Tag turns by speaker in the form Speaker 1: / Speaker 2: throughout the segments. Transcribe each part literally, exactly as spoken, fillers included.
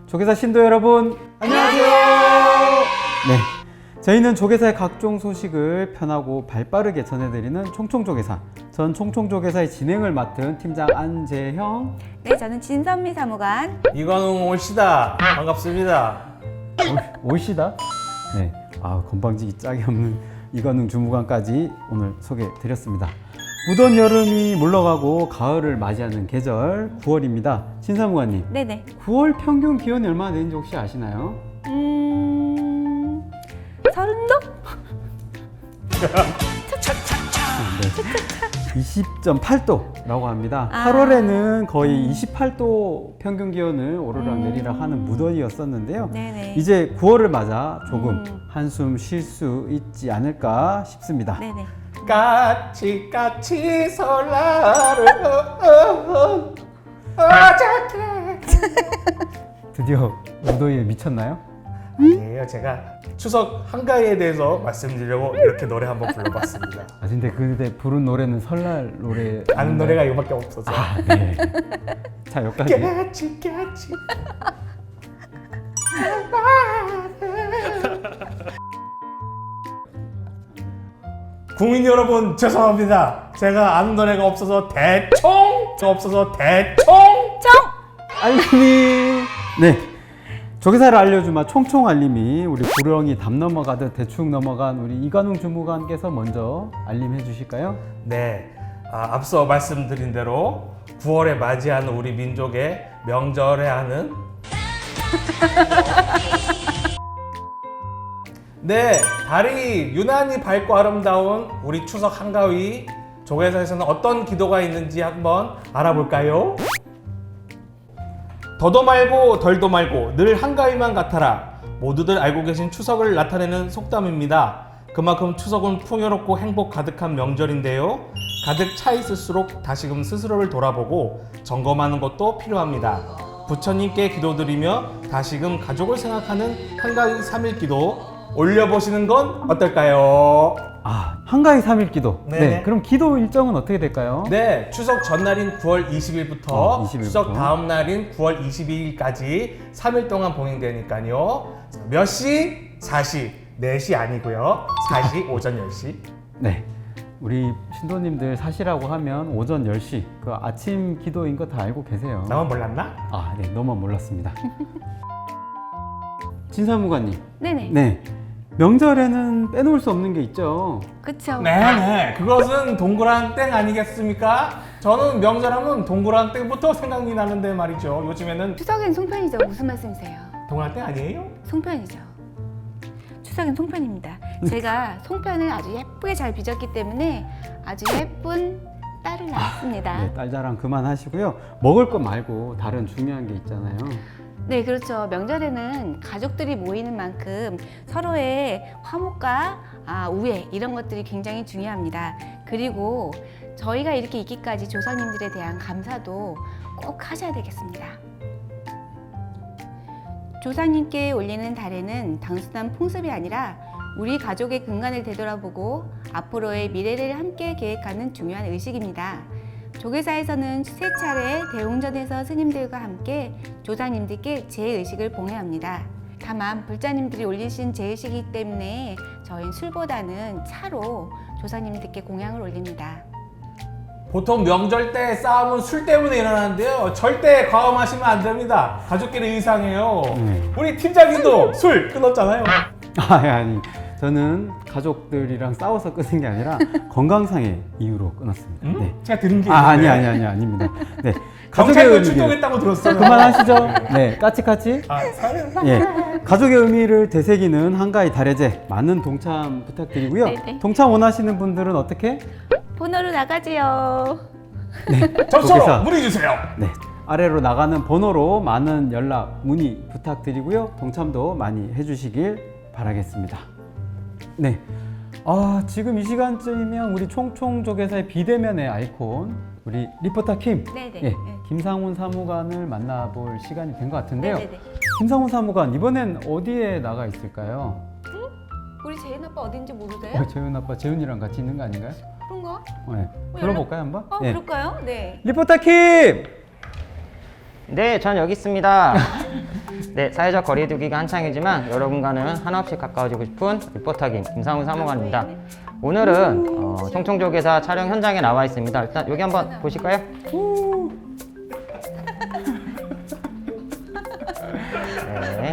Speaker 1: 조계사 신도 여러분, 안녕하세요. 네, 저희는 조계사의 각종 소식을 편하고 발빠르게 전해드리는 총총조계사. 전 총총조계사의 진행을 맡은 팀장 안재형.
Speaker 2: 네, 저는 진선미 사무관.
Speaker 3: 이관웅 올시다. 반갑습니다.
Speaker 1: 올, 올시다. 네, 아 건방지기 짝이 없는 이관웅 주무관까지 오늘 소개드렸습니다. 무더운 여름이 물러가고 가을을 맞이하는 계절 구월입니다. 신사무관님,
Speaker 2: 네네.
Speaker 1: 구월 평균 기온이 얼마나 되는지 혹시 아시나요?
Speaker 2: 음... 서른도?
Speaker 1: 네. 이십 점 팔 도라고 합니다.
Speaker 2: 아.
Speaker 1: 팔월에는 거의 이십팔 도 평균 기온을 오르락
Speaker 2: 음.
Speaker 1: 내리락 하는 무더위였었는데요.
Speaker 2: 네네.
Speaker 1: 이제 구월을 맞아 조금
Speaker 2: 음.
Speaker 1: 한숨 쉴 수 있지 않을까 싶습니다.
Speaker 2: 네네.
Speaker 3: 까치 까치 설날을 어저께.
Speaker 1: 드디어 무더위에 미쳤나요?
Speaker 3: 아니에요. 제가 추석 한가위에 대해서 말씀드리려고 이렇게 노래 한번 불러봤습니다.
Speaker 1: 아 근데 그때 부른 노래는 설날 노래
Speaker 3: 아는 노래가 이거밖에 없어서.
Speaker 1: 아, 네. 자 여기까지.
Speaker 3: 까치 까치. 국민 여러분 죄송합니다. 제가 아는 노래가 없어서 대충 없어서 대충
Speaker 1: 알림이 네 조계사를 알려주마 총총 알림이 우리 구렁이 담 넘어가듯 대충 넘어간 우리 이관웅 주무관께서 먼저 알림해 주실까요?
Speaker 3: 네, 아, 앞서 말씀드린 대로 구월에 맞이하는 우리 민족의 명절에 하는 네, 달이 유난히 밝고 아름다운 우리 추석 한가위 조계사에서는 어떤 기도가 있는지 한번 알아볼까요? 더도 말고 덜도 말고 늘 한가위만 같아라. 모두들 알고 계신 추석을 나타내는 속담입니다. 그만큼 추석은 풍요롭고 행복 가득한 명절인데요. 가득 차 있을수록 다시금 스스로를 돌아보고 점검하는 것도 필요합니다. 부처님께 기도드리며 다시금 가족을 생각하는 한가위 삼 일 기도 올려보시는 건 어떨까요?
Speaker 1: 아 한가위 삼 일 기도.
Speaker 3: 네네.
Speaker 1: 네. 그럼 기도 일정은 어떻게 될까요?
Speaker 3: 네, 추석 전날인 구월 이십일부터
Speaker 1: 어, 이십 일부터.
Speaker 3: 추석 다음 날인 구월 이십이일까지 삼 일 동안 봉행되니까요. 몇 시? 사 시. 네 시 아니고요. 사 시 오전 열 시.
Speaker 1: 네. 우리 신도님들 사시라고 하면 오전 열 시 그 아침 기도인 거 다 알고 계세요.
Speaker 3: 나만 몰랐나?
Speaker 1: 아, 네. 너만 몰랐습니다. 진사무관님.
Speaker 2: 네네.
Speaker 1: 네. 명절에는 빼놓을 수 없는 게 있죠.
Speaker 2: 그쵸.
Speaker 3: 네네. 그것은 동그란 땡 아니겠습니까? 저는 명절하면 동그란 땡부터 생각이 나는데 말이죠. 요즘에는
Speaker 2: 추석엔 송편이죠. 무슨 말씀이세요?
Speaker 3: 동그란 땡 아니에요?
Speaker 2: 송편이죠. 추석엔 송편입니다. 제가 송편을 아주 예쁘게 잘 빚었기 때문에 아주 예쁜 딸을 낳았습니다.
Speaker 1: 네, 딸 자랑 그만하시고요. 먹을 거 말고 다른 중요한 게 있잖아요.
Speaker 2: 네, 그렇죠. 명절에는 가족들이 모이는 만큼 서로의 화목과 아, 우애 이런 것들이 굉장히 중요합니다. 그리고 저희가 이렇게 있기까지 조상님들에 대한 감사도 꼭 하셔야 되겠습니다. 조상님께 올리는 달에는 단순한 풍습이 아니라 우리 가족의 근간을 되돌아보고 앞으로의 미래를 함께 계획하는 중요한 의식입니다. 조계사에서는 세 차례 대웅전에서 스님들과 함께 조상님들께 제의식을 봉해합니다. 다만 불자님들이 올리신 제의식이기 때문에 저희는 술보다는 차로 조상님들께 공양을 올립니다.
Speaker 3: 보통 명절 때 싸움은 술 때문에 일어나는데요. 절대 과음하시면 안 됩니다. 가족끼리 의상해요.
Speaker 1: 네.
Speaker 3: 우리 팀장님도 술 끊었잖아요.
Speaker 1: 아, 아니. 저는 가족들이랑 싸워서 끊은 게 아니라 건강상의 이유로 끊었습니다.
Speaker 3: 음?
Speaker 1: 네.
Speaker 3: 제가 들은 게
Speaker 1: 아, 아니
Speaker 3: 있는데.
Speaker 1: 아니 아니 아닙니다. 네.
Speaker 3: 경찰도
Speaker 1: 의미를-
Speaker 3: 출동했다고 들었어요.
Speaker 1: 그만하시죠. 네, 까치까치.
Speaker 3: 아, 사연.
Speaker 1: 예, 가족의 의미를 되새기는 한가위 달해제 많은 동참 부탁드리고요.
Speaker 2: 네네.
Speaker 1: 동참 원하시는 분들은 어떻게?
Speaker 2: 번호로 나가지요.
Speaker 3: 접수로
Speaker 1: 조계사.
Speaker 3: 문의 주세요.
Speaker 1: 네, 아래로 나가는 번호로 많은 연락 문의 부탁드리고요. 동참도 많이 해주시길 바라겠습니다. 네, 아 지금 이 시간쯤이면 우리 총총조계사의 비대면의 아이콘 우리 리포터 킴,
Speaker 2: 네네.
Speaker 1: 예,
Speaker 2: 네.
Speaker 1: 김상훈 사무관을 만나볼 시간이 된 것 같은데요.
Speaker 2: 네네네.
Speaker 1: 김상훈 사무관 이번엔 어디에 나가 있을까요?
Speaker 2: 우리 재은 아빠 어딘지 모르세요?
Speaker 1: 어, 재훈 아빠 재훈이랑 같이 있는 거 아닌가요?
Speaker 2: 그런가?
Speaker 1: 네.
Speaker 2: 어,
Speaker 1: 들어볼까요 한번?
Speaker 2: 어,
Speaker 1: 네.
Speaker 2: 그럴까요? 네.
Speaker 1: 리포터 킴!
Speaker 4: 네, 전 여기 있습니다. 네, 사회적 거리두기가 한창이지만 여러분과는 한없이 가까워지고 싶은 리포터김 김상훈 사무관입니다. 오늘은 어, 총총조개사 촬영 현장에 나와 있습니다. 일단 여기 한번 보실까요? 네.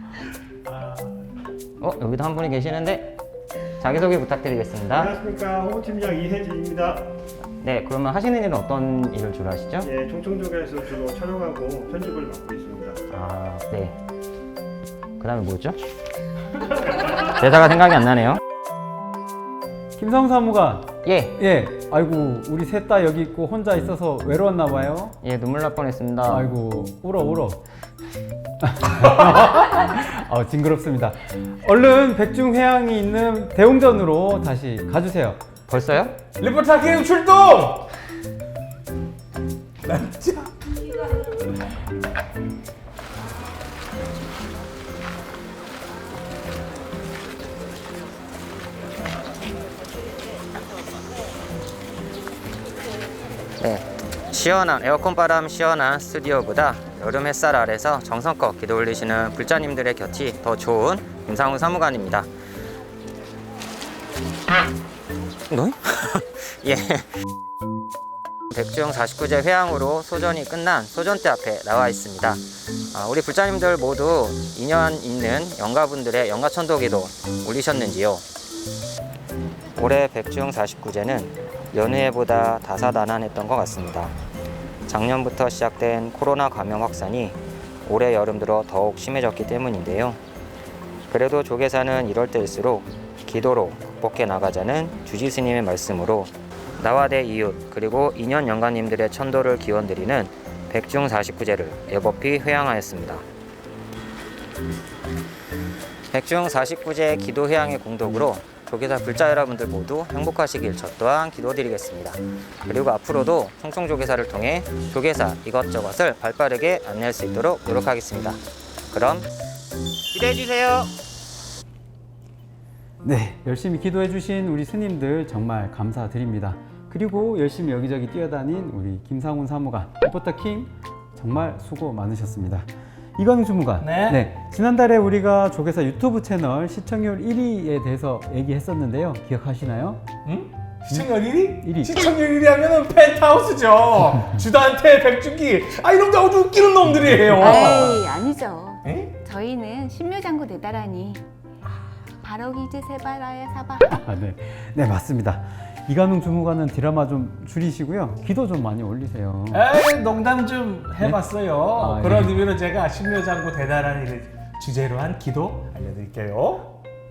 Speaker 4: 어, 여기도 한 분이 계시는데 자기소개 부탁드리겠습니다.
Speaker 5: 안녕하십니까, 홍보팀장 이혜진입니다.
Speaker 4: 네, 그러면 하시는 일은 어떤 일을 주로 하시죠?
Speaker 5: 예, 총총조개에서 주로 촬영하고 편집을 맡고 있습니다.
Speaker 4: 아, 네. 그 다음에 뭐죠? 대사가 생각이 안 나네요.
Speaker 1: 김상훈 사무관.
Speaker 4: 예,
Speaker 1: 예. 아이고 우리 셋 다 여기 있고 혼자 있어서 외로웠나 봐요.
Speaker 4: 예, 눈물 날 뻔했습니다.
Speaker 1: 아이고 울어 울어. 아, 징그럽습니다. 얼른 백중회항이 있는 대웅전으로 다시 가주세요.
Speaker 4: 벌써요?
Speaker 3: 리포터 게임 출동! 나 진짜.
Speaker 4: 네. 시원한 에어컨 바람 시원한 스튜디오보다 여름 햇살 아래서 정성껏 기도 올리시는 불자님들의 곁이 더 좋은 김상훈 사무관입니다. 뭐? 예. 백중 사십구 제 회항으로 소전이 끝난 소전대 앞에 나와 있습니다. 아, 우리 불자님들 모두 인연 있는 영가분들의 영가천도기도 올리셨는지요? 올해 백중 사십구 제는 연휴에보다 다사다난했던 것 같습니다. 작년부터 시작된 코로나 감염 확산이 올해 여름 들어 더욱 심해졌기 때문인데요. 그래도 조계사는 이럴 때일수록 기도로 극복해 나가자는 주지스님의 말씀으로 나와 내 이웃 그리고 인연 영가님들의 천도를 기원드리는 백중 사십구 제를 애법히 회항하였습니다. 백중 사십구 제 기도 회항의 공덕으로 조계사 불자 여러분들 모두 행복하시길 저 또한 기도드리겠습니다. 그리고 앞으로도 총총조계사를 통해 조계사 이것저것을 발빠르게 안내할 수 있도록 노력하겠습니다. 그럼 기대해주세요.
Speaker 1: 네, 열심히 기도해주신 우리 스님들 정말 감사드립니다. 그리고 열심히 여기저기 뛰어다닌 우리 김상훈 사무관, 리포터 킴 정말 수고 많으셨습니다. 이광 주무관,
Speaker 3: 네.
Speaker 1: 지난달에 우리가 조계사 유튜브 채널 시청률 일 위에 대해서 얘기했었는데요. 기억하시나요?
Speaker 3: 응? 시청률 일 위?
Speaker 1: 일 위.
Speaker 3: 시청률 일 위 하면은 펜트하우스죠. 주단태, 백준기. 아, 이런 거 아주 웃기는 놈들이에요.
Speaker 2: 에이, 아니죠.
Speaker 3: 에?
Speaker 2: 저희는 신묘장구 대다라니 바로기즈 세바라야 사바.
Speaker 1: 아, 네. 네, 맞습니다. 이관웅 주무관은 드라마 좀 줄이시고요. 기도 좀 많이 올리세요.
Speaker 3: 에이, 농담 좀 해봤어요.
Speaker 1: 아,
Speaker 3: 그런
Speaker 1: 예.
Speaker 3: 의미로 제가 신묘장구 대단한 일을 주제로 한 기도 알려드릴게요.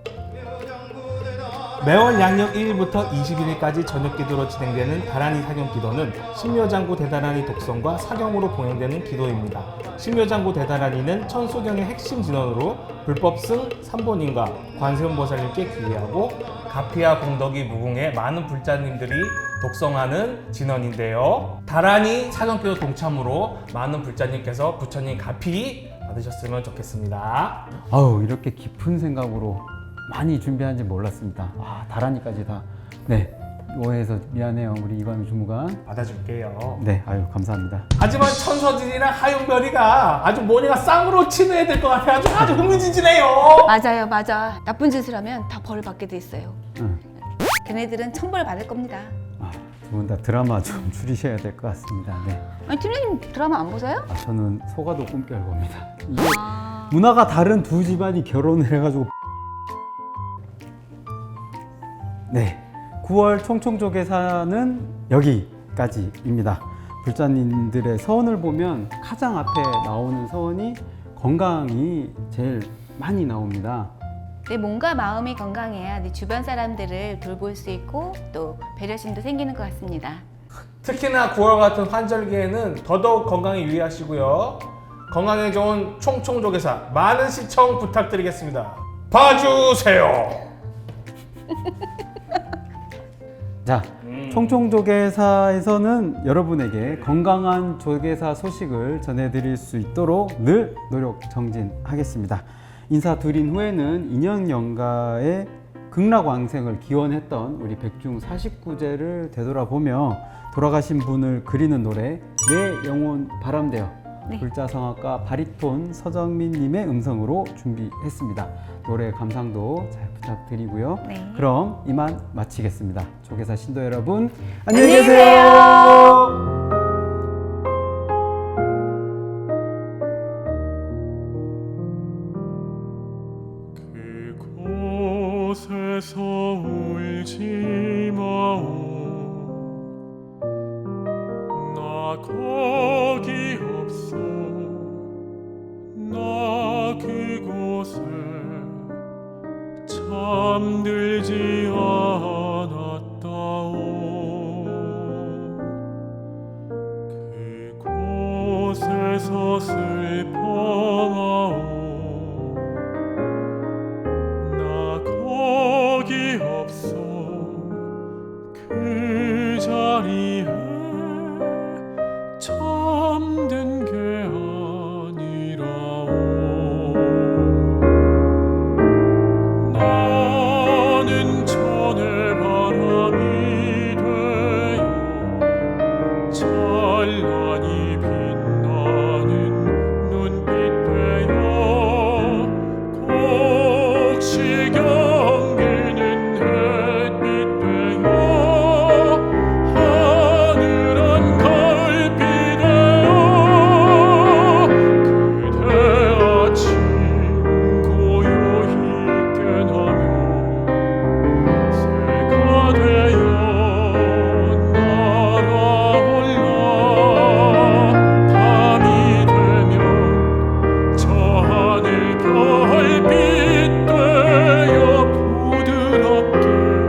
Speaker 3: 매월 양력 일 일부터 이십 일까지 저녁 기도로 진행되는 다란이 사경 기도는 신묘장구 대다란이 독성과 사경으로 봉행되는 기도입니다. 신묘장구 대다란이는 천수경의 핵심 진원으로 불법승 삼본인과 관세음보살님께 기회하고 가피와 공덕이 무궁해 많은 불자님들이 독성하는 진원인데요. 다란이 사경기도 동참으로 많은 불자님께서 부처님 가피 받으셨으면 좋겠습니다.
Speaker 1: 아우, 이렇게 깊은 생각으로 많이 준비한지 몰랐습니다. 와, 다라니까지 다. 네, 오해해서 미안해요, 우리 이관웅 주무관.
Speaker 3: 받아줄게요.
Speaker 1: 네, 아유 감사합니다.
Speaker 3: 하지만 천서진이랑 하윤별이가 아주 모니가 쌍으로 친해야 될 것 같아가지고 아주 흥미진진해요.
Speaker 2: 맞아요, 맞아. 나쁜 짓을 하면 다 벌을 받게 돼 있어요.
Speaker 1: 응.
Speaker 2: 걔네들은 천벌 받을 겁니다.
Speaker 1: 아, 두 분 다 드라마 좀 줄이셔야 될 것 같습니다. 네.
Speaker 2: 아니, 팀장님 드라마 안 보세요?
Speaker 1: 아, 저는 소가도 꿈결 봅니다. 이게
Speaker 2: 아...
Speaker 1: 문화가 다른 두 집안이 결혼을 해가지고. 네, 구월 총총조계사는 여기까지입니다. 불자님들의 서원을 보면 가장 앞에 나오는 서원이 건강이 제일 많이 나옵니다.
Speaker 2: 내 몸과 마음이 건강해야 내 주변 사람들을 돌볼 수 있고 또 배려심도 생기는 것 같습니다.
Speaker 3: 특히나 구월 같은 환절기에는 더더욱 건강에 유의하시고요. 건강에 좋은 총총조계사 많은 시청 부탁드리겠습니다. 봐주세요.
Speaker 1: 자, 총총조계사에서는 여러분에게 건강한 조계사 소식을 전해드릴 수 있도록 늘 노력 정진하겠습니다. 인사드린 후에는 인연영가의 극락왕생을 기원했던 우리 백중 사십구 제를 되돌아보며 돌아가신 분을 그리는 노래 내 영혼 바람되어
Speaker 2: 네.
Speaker 1: 불자성악가 바리톤 서정민님의 음성으로 준비했습니다. 노래 감상도 잘 부탁드리고요.
Speaker 2: 네.
Speaker 1: 그럼 이만 마치겠습니다. 조계사 신도 여러분
Speaker 2: 안녕히
Speaker 1: 안녕히 계세요.
Speaker 6: 그곳에서 울지 마오. 나 거기 없어. 나 그곳에 잠들지 않았다오. 그곳에서 슬퍼마오. 나 거기 없어. 그 자리에 잠든 게 아니라오. 나는 천의 바람이 되어 찬란히 빛나는 눈빛 되어 곡시 경기는 햇빛 되어 하늘은 가을비 되어 그대 아침 고요히 깨나며 새가 되어 날아올라 밤이 되면 저 하늘 별빛 되어 부드럽게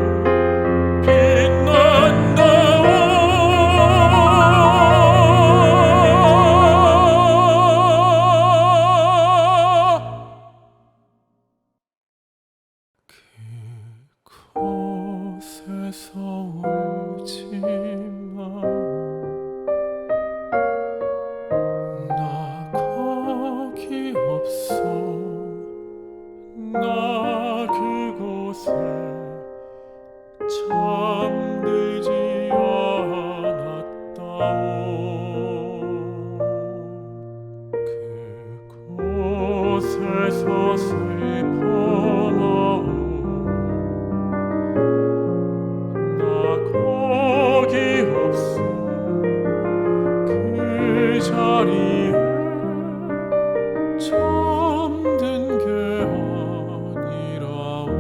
Speaker 6: 빛난다. 그곳에서 울지 마. 나 거기 없어. 나 그곳에 잠들지 않았다오. 그곳에서 슬퍼마오. 나 거기 없어. 그 자리에 잠든 게 아니라오.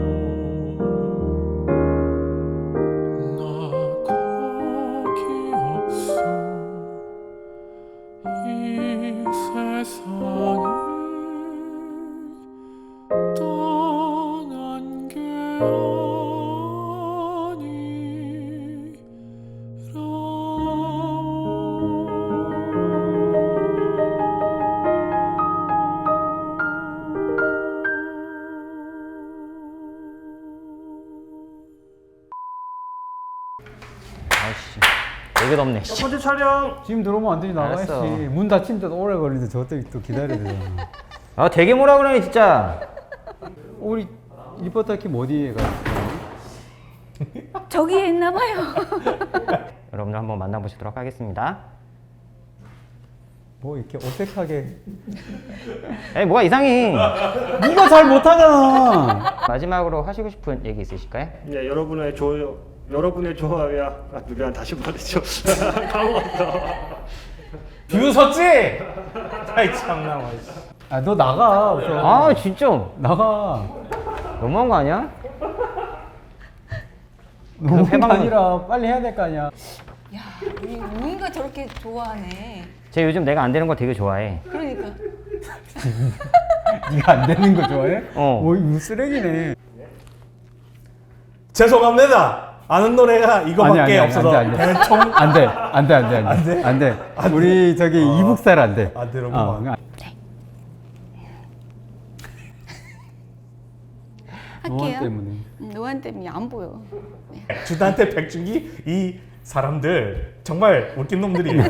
Speaker 6: 나 거기 없어. 이 세상을 떠난 게
Speaker 4: 아이씨, 되게 덥네.
Speaker 5: 첫 번째 촬영.
Speaker 1: 지금 들어오면 안 되지 나가야지.
Speaker 4: 알았어.
Speaker 1: 문 닫힌데도 오래 걸리는데 저때 또 기다려야 되잖아.
Speaker 4: 아, 되게 뭐라 그러네 진짜.
Speaker 1: 우리 리포터 팀 어디에 가 있어요?
Speaker 2: 저기에 있나 봐요.
Speaker 4: 여러분들 한번 만나보시도록 하겠습니다.
Speaker 1: 뭐 이렇게 어색하게
Speaker 4: 에이, 뭐가 이상해.
Speaker 1: 네가 잘 못하잖아.
Speaker 4: 마지막으로 하시고 싶은 얘기 있으실까요?
Speaker 5: 네, 여러분의 좋아요, 여러분의 좋아요야. 아, 미안 다시 말했죠. 까먹었어.
Speaker 3: 뷰 섰지? 아이 참나.
Speaker 1: 아 너 나가. 우선.
Speaker 4: 아, 진짜
Speaker 1: 나가.
Speaker 4: 너무한 거 아니야?
Speaker 1: 너무 게
Speaker 4: 해방은-
Speaker 1: 아니라 빨리 해야 될 거 아니야.
Speaker 2: 야, 우리 우이가 저렇게 좋아하네.
Speaker 4: 쟤 요즘 내가 안 되는 거 되게 좋아해.
Speaker 2: 그러니까.
Speaker 1: 네가 안 되는 거 좋아해?
Speaker 4: 어.
Speaker 1: 뭐 이거 쓰레기네.
Speaker 3: 죄송합니다. 아는 노래가 이거밖에 없어서
Speaker 1: 안 돼,
Speaker 3: 그냥 총
Speaker 1: 안 돼, 안 돼, 안 돼, 안 돼, 안 돼. 우리 저기 이북살 안 돼.
Speaker 3: 안 되는구만.
Speaker 1: 어, 그냥 노안
Speaker 2: 할게요.
Speaker 1: 때문에.
Speaker 2: 음, 노안 때문에 안 보여. 네.
Speaker 3: 주단태 백준기 이 사람들 정말 웃긴 놈들이에요.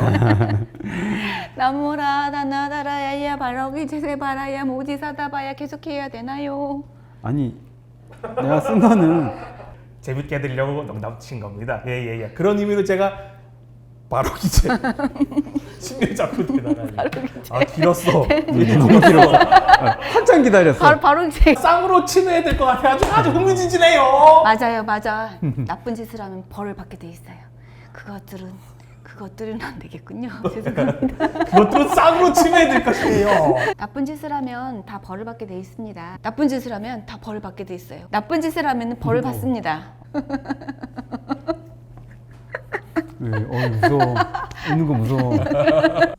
Speaker 2: 나무라 다나다라야야 바라기 제세바라야 모지사다바야 계속해야 되나요?
Speaker 1: 아니 내가 쓴 거는
Speaker 3: 재밌게 해드리려고 농담 친 겁니다. 예예예. 그런 의미로 제가 바로 기재 심리 잡고 대단하네. 아 길었어. 되게
Speaker 1: 너무 길어서 한참 기다렸어.
Speaker 2: 바로 바로 이제
Speaker 3: 쌍으로 치매야 될 것 같아. 아주 아주 흥미진진해요.
Speaker 2: 맞아요, 맞아. 나쁜 짓을 하면 벌을 받게 돼 있어요. 그것들은 그것들은 안 되겠군요. 죄송합니다.
Speaker 3: 그것들은 쌍으로 치매야 될 것이에요.
Speaker 2: 나쁜 짓을 하면 다 벌을 받게 돼 있습니다. 나쁜 짓을 하면 다 벌을 받게 돼 있어요. 나쁜 짓을 하면 벌을 받습니다.
Speaker 1: 네, 어 무서워. 웃는 거 무서워.